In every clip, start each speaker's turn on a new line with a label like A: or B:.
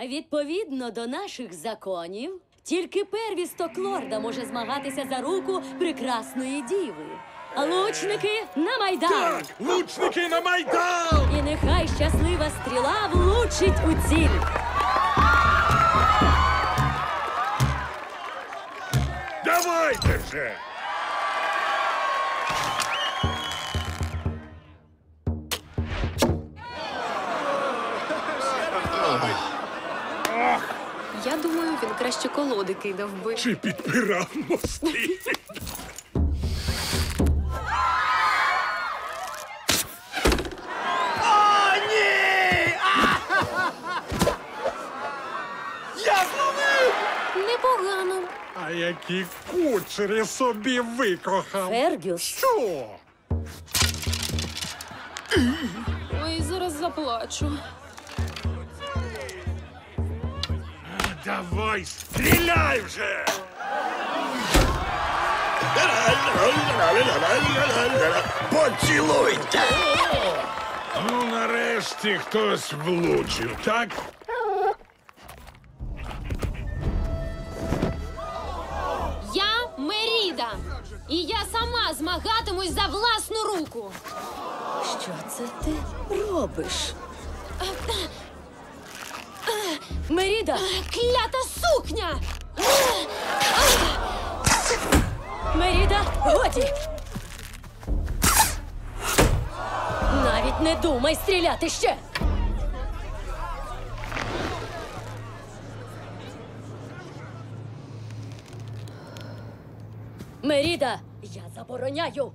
A: Відповідно до наших законів, тільки первісток лорда може змагатися за руку прекрасної діви. А лучники на Майдан!
B: Так, лучники на Майдан!
A: І нехай щаслива стріла влучить у ціль.
B: Давайте же!
C: Я думаю, він краще колоди кидав би.
B: Чи підпирав мости? О, ні! Я зловив!
C: Непогано.
B: А які кучері собі викохав!
A: Фергюс,
B: Що?
C: Ой, зараз заплачу.
B: Давай, стріляй вже!
D: Поцілуйте!
B: Ну, нарешті хтось влучив, так?
C: Я Меріда. І я сама змагатимусь за власну руку.
A: що це ти робиш? Меріда!
C: Клята сукня!
A: Меріда, годі! Навіть не думай стріляти ще! Меріда, я забороняю!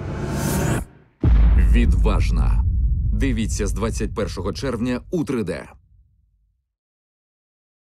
E: Відважна. Дивіться з 21 червня у 3D.